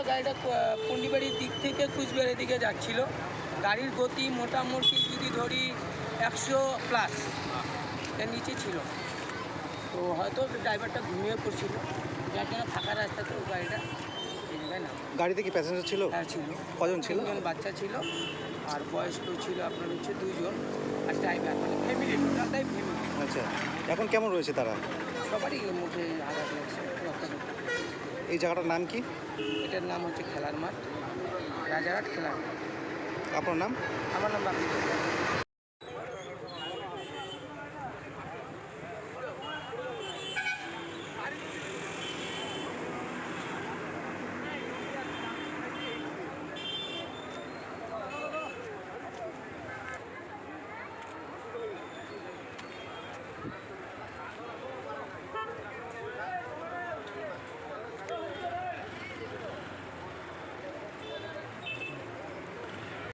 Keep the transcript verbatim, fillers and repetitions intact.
গাড়িটা পুন্ডিবাড়ির দিক থেকে কুচবিহারের দিকে যাচ্ছিল। গাড়ির গতি মোটামুটি যদি ধরি একশো প্লাস এর নিচে ছিল। তো হয়তো ড্রাইভারটা ঘুমিয়ে পড়ছিল, যার জন্য ফাঁকা রাস্তাতে গাড়িটা এই জায়গায় নাম। গাড়িতে কি প্যাসেঞ্জার ছিল? হ্যাঁ ছিল। কজন ছিল? তিনজন বাচ্চা ছিল আর বয়স্ক ছিল আপনার হচ্ছে দুইজন আর ড্রাইভার, মানে ফ্যামিলি, টোটালটাই ফ্যামিলি। আচ্ছা, এখন কেমন রয়েছে তারা? সবারই মুখে আঘাত লাগছে, রক্তারক্ত। এই জায়গাটার নাম কি? এটার নাম হচ্ছে খেলার মাঠ, রাজারহাট খেলার মাঠ। আপনার নাম? আমার নাম বাপি।